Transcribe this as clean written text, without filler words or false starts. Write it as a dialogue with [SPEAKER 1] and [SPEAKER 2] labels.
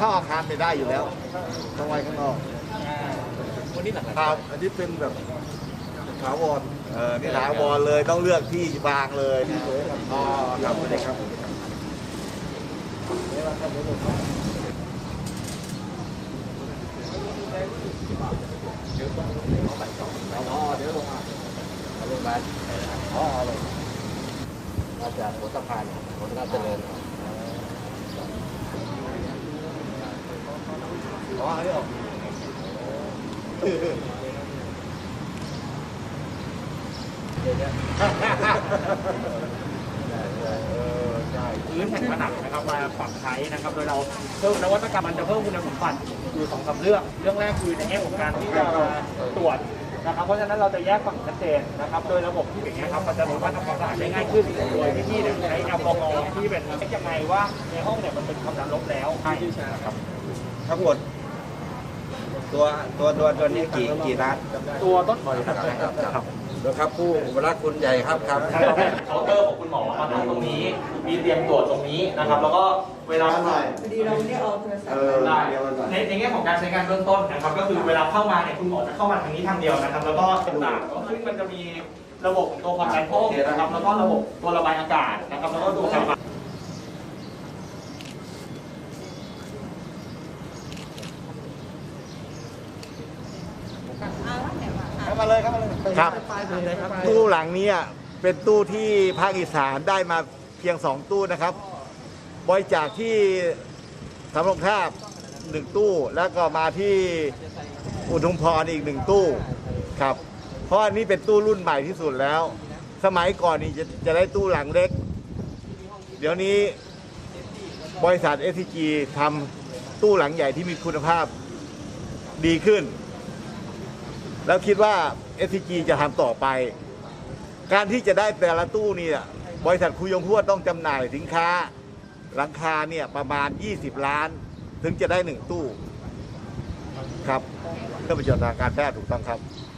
[SPEAKER 1] เข้าอาคารไม่ได้อยู่แล้วต้องไว้ข้างนอก
[SPEAKER 2] วันนี้หลัก
[SPEAKER 3] ครับอันนี้เป็นแบบถาวร
[SPEAKER 1] นี่ถาวรเลยต้องเลือกที่วางเลยอ๋อครับสวัสดีครับ
[SPEAKER 2] อ๋อเดี๋ยวลงมาเอาลงมาอ๋อลงมาจากหัวสะพานหัวสะพานเจริญ
[SPEAKER 1] อ๋ออันนี้ออก
[SPEAKER 4] พื้นแผ่นผนังนะครับมาปรับใช้นะครับโดยเราเพิ่มนวัตกรรมมันจะเพิ่มคุณสมบัติอยู่2-3เรื่องแรกคือในแง่ของการที่จะตรวจนะครับเพราะฉะนั้นเราจะแยกฝั่งชัดเจนนะครับโดยระบบที่อย่างนี้ยครับมันจะสามารถทำความสะอาดได้ง่ายขึ้นโดยที่เนี่ยใช้แอลกอฮอล์ที่เป็นยังไงว่าในห้องเนี่ยมันเป็นความดันลบแล้วใช่ครับ
[SPEAKER 3] ทั้งหมดตัวนี้กี่ล้าน
[SPEAKER 4] ตัวต้นครับ
[SPEAKER 3] นะครับผู้รักคุณใหญ่ครับครับ
[SPEAKER 4] เคาน์เตอร์ของคุณหมอมาตั้งตรงนี้มีเตียงตรวจตรงนี้นะครับแล้วก็เวลา
[SPEAKER 5] พอดีเราไม่ได้เอาโทรศัพท์
[SPEAKER 4] ได้ในแง่ของการใช้งานเบื้องต้นนะครับก็คือเวลาเข้ามาเนี่ยคุณหมอจะเข้ามาทางนี้ทางเดียวนะครับแล้วก็ต่างๆซึ่งมันจะมีระบบของตัวความดันโพกนะครับแล้วก็ระบบตัวระบายอากาศนะครับแล้วก็ตัวการ
[SPEAKER 1] เข้ามาเลยครับครับตู้หลังนี้เป็นตู้ที่ภาคอีสานได้มาเพียง2ตู้นะครับบริจาคที่สำโรงทาบ1ตู้แล้วก็มาที่อุทุมพรอีก1ตู้ครับเพราะอันนี้เป็นตู้รุ่นใหม่ที่สุดแล้ว สมัยก่อนนี่จะได้ตู้หลังเล็กเดี๋ยวนี้บริษัท SCG ทำตู้หลังใหญ่ที่มีคุณภาพดีขึ้นแล้วคิดว่า SCG จะทำต่อไป การที่จะได้แต่ละตู้นี่บริษัทคุยงหัวต้องจำหน่ายสินค้าหลังคาเนี่ยประมาณ20 ล้าน ถึงจะได้1ตู้ครับเพื่อประโยชน์ทางการแพทย์ถูกต้องครับ